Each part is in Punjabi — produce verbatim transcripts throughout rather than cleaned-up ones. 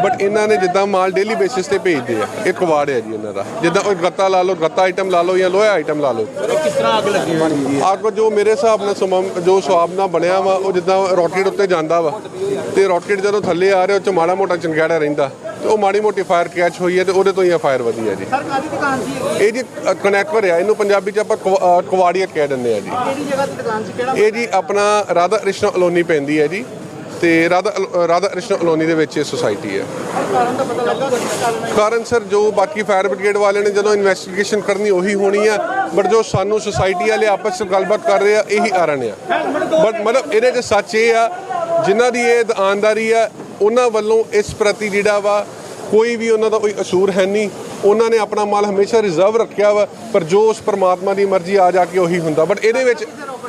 बट इन्होंने जिदा माल डेली बेसिस पे भेजते हैं, एक कवाड़ है जी इन्हों का, जिदा गत्ता ला लो, गत्ता आइटम ला लो या लोहा आइटम ला लो। किस तरह अग लगी? अग जो मेरे हिसाब नाल सम जो स्वाब नाल बनया वा, वो जिदा रॉकेट उत्ते जांदा वा ते रॉकेट जदों थल्ले आ रहे उस माड़ा मोटा चंगेड़ा रहिंदा ते वो माड़ी मोटी फायर कैच हुई है, तो वो तो ही फायर वधी है जी। सर कादी दुकान सी ये जी कनैक्टर है, इनू पंजाबी च आपां कवाड़िया कह दिंदे आ जी। किहड़ी जगह दी दुकान सी, किहड़ा? ये जी अपना राधा कृष्ण कलोनी पैंदी है जी, ਤੇ ਰਾਧਾ ਰਾਧਾ ਕ੍ਰਿਸ਼ਨ ਕਲੋਨੀ ਦੇ ਵਿੱਚ ਇਹ ਸੁਸਾਇਟੀ ਹੈ। ਕਾਰਨ ਦਾ ਪਤਾ ਲੱਗਾ? ਕਾਰਨ ਸਰ ਜੋ ਬਾਕੀ ਫਾਇਰ ਬ੍ਰਿਗੇਡ ਵਾਲਿਆਂ ਨੇ ਜਦੋਂ ਇਨਵੈਸਟੀਗੇਸ਼ਨ ਕਰਨੀ ਉਹੀ ਹੋਣੀ ਆ, ਬਟ ਜੋ ਸਾਨੂੰ ਸੁਸਾਇਟੀ ਵਾਲੇ ਆਪਸ ਵਿੱਚ ਗੱਲਬਾਤ ਕਰ ਰਹੇ ਆ ਇਹੀ ਕਾਰਨ ਆ। ਬਟ ਮਤਲਬ ਇਹਦੇ 'ਚ ਸੱਚ ਇਹ ਆ, ਜਿਨ੍ਹਾਂ ਦੀ ਇਹ ਦੁਕਾਨਦਾਰੀ ਆ ਉਹਨਾਂ ਵੱਲੋਂ ਇਸ ਪ੍ਰਤੀ ਜਿਹੜਾ ਵਾ ਕੋਈ ਵੀ ਉਹਨਾਂ ਦਾ ਕੋਈ ਕਸੂਰ ਹੈ ਨਹੀਂ, ਉਹਨਾਂ ਨੇ ਆਪਣਾ ਮਾਲ ਹਮੇਸ਼ਾ ਰਿਜ਼ਰਵ ਰੱਖਿਆ ਵਾ, ਪਰ ਜੋ ਉਸ ਪਰਮਾਤਮਾ ਦੀ ਮਰਜ਼ੀ ਆ ਜਾ ਕੇ ਉਹੀ ਹੁੰਦਾ। ਬਟ ਇਹਦੇ ਵਿੱਚ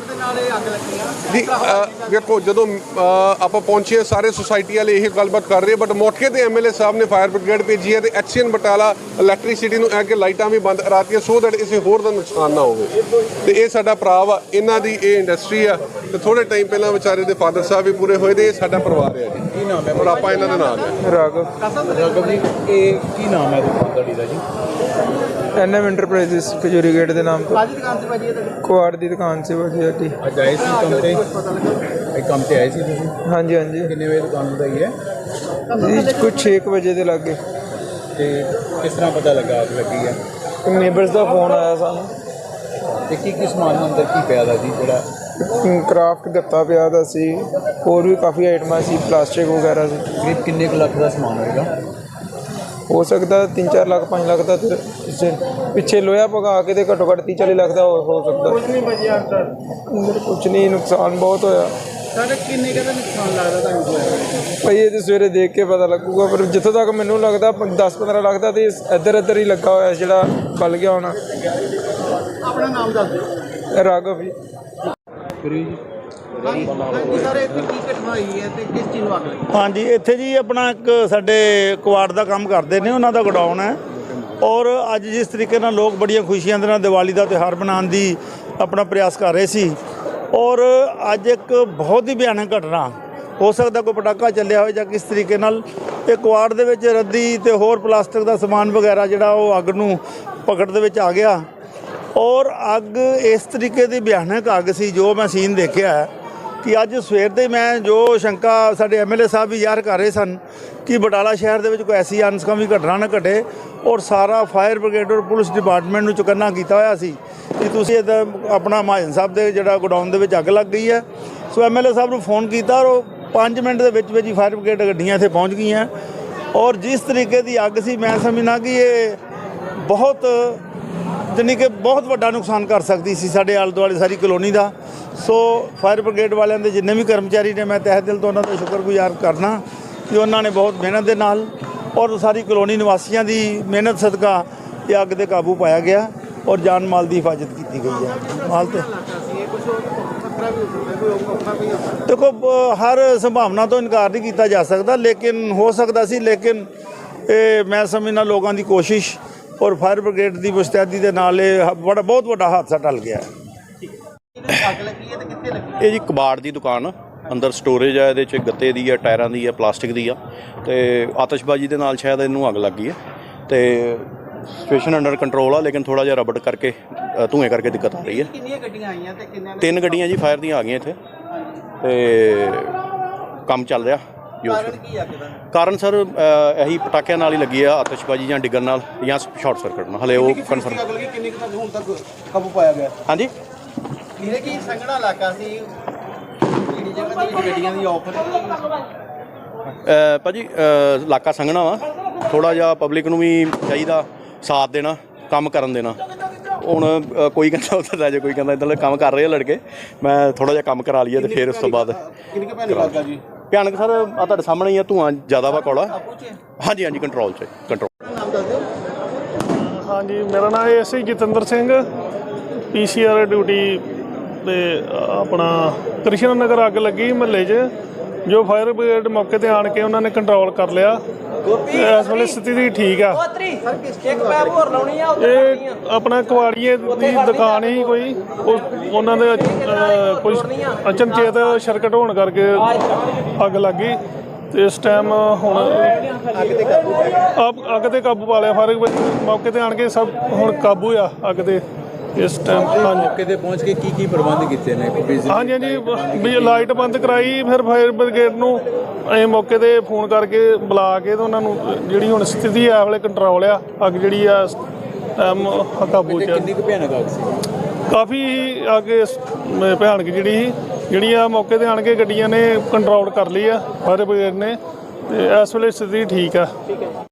ਜੀ ਵੇਖੋ ਜਦੋਂ ਆਪਾਂ ਪਹੁੰਚੇ ਸਾਰੇ ਸੁਸਾਇਟੀ ਵਾਲੇ ਇਹ ਗੱਲਬਾਤ ਕਰ ਰਹੇ, ਬਟ ਮੌਕੇ ਤੇ ਐਮਐਲਏ ਸਾਹਿਬ ਨੇ ਫਾਇਰ ਬ੍ਰਿਗੇਡ ਭੇਜੀ ਹੈ ਤੇ ਐਕਸੀਅਨ ਬਟਾਲਾ ਇਲੈਕਟ੍ਰਿਸਿਟੀ ਨੂੰ ਐ ਕਿ ਲਾਈਟਾਂ ਵੀ ਬੰਦ ਕਰਾਤੀਆਂ ਸੋ ਦੈਟ ਕਿਸੇ ਹੋਰ ਦਾ ਨੁਕਸਾਨ ਨਾ ਹੋਵੇ। ਤੇ ਇਹ ਸਾਡਾ ਭਰਾ ਵਾ, ਇਹਨਾਂ ਦੀ ਇਹ ਇੰਡਸਟਰੀ ਆ ਤੇ ਥੋੜੇ ਟਾਈਮ ਪਹਿਲਾਂ ਵਿਚਾਰੇ ਦੇ ਫਾਦਰ ਸਾਹਿਬ ਵੀ ਪੂਰੇ ਹੋਏ ਤੇ ਇਹ ਸਾਡਾ ਪਰਿਵਾਰ ਹੈ ਜੀ। ਕੀ ਨਾਮ ਹੈ? ਔਰ ਆਪਾਂ ਇਹਨਾਂ ਦੇ ਨਾਲ ਹੈ ਰਾਘਵ। ਰਾਘਵ ਜੀ, ਇਹ ਕੀ ਨਾਮ ਹੈ ਦੁਕਾਨਦਾਰੀ ਦਾ ਜੀ? N M enterprises Khajuri gate के नाम पर ਕਾਦੀ ਦੁਕਾਨ ਤੇ ਭਾਜੀ ਇਹ? कुआड़ की दुकान से भाजी साडी। ਅੱਜ ਆਏ ਸੀ ਕੰਮ ਤੇ? ਇਹ ਕੰਮ ਤੇ ਆਏ ਸੀ ਤੁਸੀਂ? हाँ जी हाँ जी ਕਿੰਨੇ ਵਜੇ ਦੁਕਾਨ ਵਧਾਈ ਹੈ जी कुछ छे कुछ बजे के लागे ਤੇ ਕਿਸ ਤਰ੍ਹਾਂ ਪਤਾ ਲੱਗਾ ਅੱਗ ਲੱਗੀ ਹੈ? नेबर्स का फोन आया सानू, ਤੇ ਕੀ ਕੀ ਸਮਾਨ ਅੰਦਰ ਕੀ ਪਿਆ ਦਾ ਜੀ ਜਿਹੜਾ? क्राफ्ट गत्ता पिया दा सी, होर भी काफ़ी आइटमां सी, प्लास्टिक वगैरह सी। ਕਰੀਬ ਕਿੰਨੇ ਕੁ ਲੱਖ ਦਾ ਸਮਾਨ ਹੋਏਗਾ? हो सकता तीन चार लाख पाँच लाख का, पिछे पिछे लोहा भगा के तो घट्टो घट्ट तीह चाली लाख का हो, हो सकता। ਕੁਝ ਨਹੀਂ ਬਚਿਆ ਅੰਦਰ? अंदर कुछ नहीं, नुकसान बहुत होया ਸਾਡੇ ਕਿੰਨੇ ਕੁ ਦਾ ਨੁਕਸਾਨ ਲੱਗਦਾ ਤੁਹਾਨੂੰ? भाई ये तो सवेरे देख के पता लगूगा, पर जितों तक मैनू लगता दस पंद्रह लाख का तो इधर इधर ही लगा होया जिहड़ा बल गया होना। ਆਪਣਾ ਨਾਮ ਦੱਸ ਦਿਓ। राघव जी। ਹਾਂਜੀ ਸਰ, ਇੱਥੇ ਕੀ ਘਟਨਾ ਹੋਈ ਹੈ ਤੇ ਕਿਸ ਚੀਜ਼ ਨੂੰ ਅੱਗ ਲੱਗੀ? ਹਾਂਜੀ, ਇੱਥੇ ਜੀ ਆਪਣਾ ਇੱਕ ਸਾਡੇ ਕੁਆੜ ਦਾ ਕੰਮ ਕਰਦੇ ਨੇ, ਉਹਨਾਂ ਦਾ ਗੋਡਾਊਨ ਹੈ। ਔਰ ਅੱਜ ਜਿਸ ਤਰੀਕੇ ਨਾਲ ਲੋਕ ਬੜੀਆਂ ਖੁਸ਼ੀਆਂ ਦੇ ਨਾਲ ਦੀਵਾਲੀ ਦਾ ਤਿਉਹਾਰ ਮਨਾਉਣ ਦੀ ਆਪਣਾ ਪ੍ਰਯਾਸ ਕਰ ਰਹੇ ਸੀ, ਔਰ ਅੱਜ ਇੱਕ ਬਹੁਤ ਹੀ ਭਿਆਨਕ ਘਟਨਾ, ਹੋ ਸਕਦਾ ਕੋਈ ਪਟਾਕਾ ਚੱਲਿਆ ਹੋਵੇ ਜਾਂ ਕਿਸ ਤਰੀਕੇ ਨਾਲ ਇਹ ਕੁਆੜ ਦੇ ਵਿੱਚ ਰੱਦੀ ਤੇ ਹੋਰ ਪਲਾਸਟਿਕ ਦਾ ਸਮਾਨ ਵਗੈਰਾ ਜਿਹੜਾ ਉਹ ਅੱਗ ਨੂੰ ਪਕੜ ਦੇ ਵਿੱਚ ਆ ਗਿਆ। ਔਰ ਅੱਗ ਇਸ ਤਰੀਕੇ ਦੀ ਭਿਆਨਕ ਅੱਗ ਸੀ ਜੋ ਮੈਂ ਸੀਨ ਦੇਖਿਆ ਹੈ ਕਿ ਅੱਜ ਸਵੇਰ ਦੇ ਮੈਂ ਜੋ ਸ਼ੰਕਾ ਸਾਡੇ ਐਮਐਲਏ ਸਾਹਿਬ ਵੀ ਜ਼ਾਹਰ ਕਰ ਰਹੇ ਸਨ ਕਿ ਬਟਾਲਾ ਸ਼ਹਿਰ ਦੇ ਵਿੱਚ ਕੋਈ ਐਸੀ ਅਨਸਕਾਮੀ ਘਟਨਾ ਨਾ ਘਟੇ, ਔਰ ਸਾਰਾ ਫਾਇਰ ਬ੍ਰਿਗੇਡ ਔਰ ਪੁਲਿਸ ਡਿਪਾਰਟਮੈਂਟ ਨੂੰ ਚੁਕੰਨਾ ਕੀਤਾ ਹੋਇਆ ਸੀ ਕਿ ਤੁਸੀਂ ਇਹਦਾ ਆਪਣਾ ਮਹਾਜਨ ਸਾਹਿਬ ਦੇ ਜਿਹੜਾ ਗੋਡਾਊਨ ਦੇ ਵਿੱਚ ਅੱਗ ਲੱਗ ਗਈ ਹੈ। ਸੋ ਐਮਐਲਏ ਸਾਹਿਬ ਨੂੰ ਫੋਨ ਕੀਤਾ ਔਰ ਉਹ ਪੰਜ ਮਿੰਟ ਦੇ ਵਿੱਚ ਵਿੱਚ ਹੀ ਫਾਇਰ ਬ੍ਰਿਗੇਡ ਗੱਡੀਆਂ ਇੱਥੇ ਪਹੁੰਚ ਗਈਆਂ। ਔਰ ਜਿਸ ਤਰੀਕੇ ਦੀ ਅੱਗ ਸੀ, ਮੈਂ ਸਮਝਣਾ ਕਿ ਇਹ ਬਹੁਤ ਜਾਣੀ ਕਿ ਬਹੁਤ ਵੱਡਾ ਨੁਕਸਾਨ ਕਰ ਸਕਦੀ ਸੀ ਸਾਡੇ ਆਲੇ ਦੁਆਲੇ ਸਾਰੀ ਕਲੋਨੀ ਦਾ। ਸੋ ਫਾਇਰ ਬ੍ਰਿਗੇਡ ਵਾਲਿਆਂ ਦੇ ਜਿੰਨੇ ਵੀ ਕਰਮਚਾਰੀ ਨੇ, ਮੈਂ ਤਹਿ ਦਿਲ ਤੋਂ ਉਹਨਾਂ ਦਾ ਸ਼ੁਕਰਗੁਜ਼ਾਰ ਕਰਨਾ ਕਿ ਉਹਨਾਂ ਨੇ ਬਹੁਤ ਮਿਹਨਤ ਦੇ ਨਾਲ ਔਰ ਸਾਰੀ ਕਲੋਨੀ ਨਿਵਾਸੀਆਂ ਦੀ ਮਿਹਨਤ ਸਦਕਾ ਇਹ ਅੱਗ 'ਤੇ ਕਾਬੂ ਪਾਇਆ ਗਿਆ ਔਰ ਜਾਨ ਮਾਲ ਦੀ ਹਿਫਾਜ਼ਤ ਕੀਤੀ ਗਈ ਹੈ। ਮਾਲ ਤੇ ਦੇਖੋ ਹਰ ਸੰਭਾਵਨਾ ਤੋਂ ਇਨਕਾਰ ਨਹੀਂ ਕੀਤਾ ਜਾ ਸਕਦਾ, ਲੇਕਿਨ ਹੋ ਸਕਦਾ ਸੀ, ਲੇਕਿਨ ਇਹ ਮੈਂ ਸਮਝਣਾ ਲੋਕਾਂ ਦੀ ਕੋਸ਼ਿਸ਼ ਔਰ ਫਾਇਰ ਬ੍ਰਿਗੇਡ ਦੀ ਮੁਸਤੈਦੀ ਦੇ ਨਾਲ ਇਹ ਬੜਾ ਬਹੁਤ ਵੱਡਾ ਹਾਦਸਾ ਟਲ ਗਿਆ। ਅੱਗ ਲੱਗੀ ਹੈ ਤੇ ਕਿੱਥੇ ਲੱਗੀ? ਇਹ ਜੀ ਕਬਾੜ ਦੀ ਦੁਕਾਨ, ਅੰਦਰ ਸਟੋਰੇਜ ਹੈ, ਇਹਦੇ 'ਚ ਗੱਤੇ ਦੀ ਹੈ, ਟਾਇਰਾਂ ਦੀ ਹੈ, ਪਲਾਸਟਿਕ ਦੀ ਆ, ਤੇ ਆਤਿਸ਼ਬਾਜ਼ੀ ਦੇ ਨਾਲ ਸ਼ਾਇਦ ਇਹਨੂੰ ਅੱਗ ਲੱਗ ਗਈ ਹੈ। ਤੇ ਸਿਚੁਏਸ਼ਨ ਅੰਡਰ ਕੰਟਰੋਲ ਆ, ਲੇਕਿਨ ਥੋੜ੍ਹਾ ਜਿਹਾ ਰਬੜ ਕਰਕੇ ਧੂਏ ਕਰਕੇ ਦਿੱਕਤ ਆ ਰਹੀ ਹੈ। ਕਿੰਨੀਆਂ ਗੱਡੀਆਂ ਆਈਆਂ ਤੇ ਕਿੰਨੇ? ਤਿੰਨ ਗੱਡੀਆਂ ਜੀ ਫਾਇਰ ਦੀਆਂ ਆ ਗਈਆਂ ਇੱਥੇ ਤੇ ਕੰਮ ਚੱਲ ਰਿਹਾ। ਕਾਰਨ ਕੀ ਅੱਗ ਦਾ? ਕਾਰਨ ਸਰ ਇਹੀ ਪਟਾਕਿਆਂ ਨਾਲ ਹੀ ਲੱਗੀ ਆ, ਆਤਿਸ਼ਬਾਜ਼ੀ ਜਾਂ ਡਿੱਗਣ ਨਾਲ ਜਾਂ ਸ਼ਾਰਟ ਸਰਕਟ ਨਾਲ, ਹਲੇ ਉਹ ਕਨਫਰਮ। ਅੱਗ ਲੱਗੀ ਕਿੰਨੇ ਕੁ ਹੁਣ ਤੱਕ ਕਾਬੂ ਪਾਇਆ ਗਿਆ? ਹਾਂਜੀ, ਇਹ ਕੀ ਸੰਘਣਾ ਇਲਾਕਾ ਸੀ, ਜਿਹੜੀ ਜਗ੍ਹਾ ਦੀ ਗੱਡੀਆਂ ਦੀ ਆਫਰ? ਭਾਜੀ ਇਲਾਕਾ ਸੰਘਣਾ ਵਾ, ਥੋੜ੍ਹਾ ਜਿਹਾ ਪਬਲਿਕ ਨੂੰ ਵੀ ਚਾਹੀਦਾ ਸਾਥ ਦੇਣਾ, ਕੰਮ ਕਰਨ ਦੇਣਾ। ਹੁਣ ਕੋਈ ਕਹਿੰਦਾ ਉੱਧਰ ਲੈ ਜਾ, ਕੋਈ ਕਹਿੰਦਾ ਇੱਧਰ ਕੰਮ ਕਰ ਰਹੇ ਆ ਲੜਕੇ, ਮੈਂ ਥੋੜ੍ਹਾ ਜਿਹਾ ਕੰਮ ਕਰਾ ਲਈਏ ਤੇ ਫਿਰ ਉਸ ਤੋਂ ਬਾਅਦ ਕਿੰਨੀ ਕੁ ਭਿਆਨਕ ਅੱਗ ਆ ਜੀ? ਭਿਆਨਕ ਸਰ ਆ ਤੁਹਾਡੇ ਸਾਹਮਣੇ ਹੀ ਆ, ਧੂੰਆਂ ਜ਼ਿਆਦਾ ਵਾ ਕੌੜਾ। ਹਾਂਜੀ ਹਾਂਜੀ, ਕੰਟਰੋਲ 'ਚ ਕੰਟਰੋਲ। ਨਾਮ ਦੱਸ ਦਿਓ। ਹਾਂਜੀ, ਮੇਰਾ ਨਾਮ ਹੈ S I Jatinder Singh, P C R duty ਤੇ ਆਪਣਾ ਕ੍ਰਿਸ਼ਨ ਨਗਰ ਅੱਗ ਲੱਗੀ ਮਹੱਲੇ 'ਚ, ਜੋ ਫਾਇਰ ਬ੍ਰਿਗੇਡ ਮੌਕੇ 'ਤੇ ਆਣ ਕੇ ਉਹਨਾਂ ਨੇ ਕੰਟਰੋਲ ਕਰ ਲਿਆ। ਇਸ ਵੇਲੇ ਸਥਿਤੀ ਠੀਕ ਆ। ਇਹ ਆਪਣਾ ਕੁਆੜੀਏ ਦੀ ਦੁਕਾਨ ਹੀ ਕੋਈ, ਉਹਨਾਂ ਦੇ ਕੋਈ ਅਚਨਚੇਤ ਸਰਕਟ ਹੋਣ ਕਰਕੇ ਅੱਗ ਲੱਗ ਗਈ ਤੇ ਇਸ ਟਾਈਮ ਹੁਣ ਅੱਗ ਤੇ ਕਾਬੂ ਪਾ ਲਿਆ। ਅੱਗ ਅੱਗ ਤੇ ਕਾਬੂ ਪਾ ਲਿਆ ਫਾਇਰ ਬ੍ਰਿਗੇਡ ਮੌਕੇ ਤੇ ਆਣ ਕੇ ਸਭ ਹੁਣ ਕਾਬੂ ਆ ਅੱਗ ਤੇ ਇਸ ਟਾਈਮ। ਹਾਂਜੀ ਮੌਕੇ ਤੇ ਪਹੁੰਚ ਕੇ ਕੀ ਕੀ ਪ੍ਰਬੰਧ ਕੀਤੇ ਨੇ ਬਿਜਲੀ ਹਾਂਜੀ ਹਾਂਜੀ ਵੀ ਲਾਈਟ ਬੰਦ ਕਰਾਈ, ਫਿਰ ਫਾਇਰ ਬ੍ਰਿਗੇਡ ਨੂੰ ਅਸੀਂ ਮੌਕੇ ਤੇ ਫੋਨ ਕਰਕੇ ਬੁਲਾ ਕੇ ਤੇ ਉਹਨਾਂ ਨੂੰ ਜਿਹੜੀ ਹੁਣ ਸਥਿਤੀ ਆ ਵੇਲੇ ਕੰਟਰੋਲ ਆ, ਅੱਗ ਜਿਹੜੀ ਆ ਟਾਈਮ ਕਾਬੂ 'ਚ ਆ। ਕਿੰਨੀ ਕੁ ਭਿਆਨਕ ਅੱਗ ਸੀ? ਕਾਫੀ ਅੱਗ ਇਸ- ਮ- ਭਿਆਨਕ ਜਿਹੜੀ ਸੀ, ਜਿਹੜੀ ਆ ਮੌਕੇ ਤੇ ਆਣ ਕੇ ਗੱਡੀਆਂ ਨੇ ਕੰਟਰੋਲ ਕਰ ਲਈ ਆ ਫਾਇਰ ਬ੍ਰਿਗੇਡ ਨੇ, ਤੇ ਇਸ ਵੇਲੇ ਸਥਿਤੀ ਠੀਕ ਆ।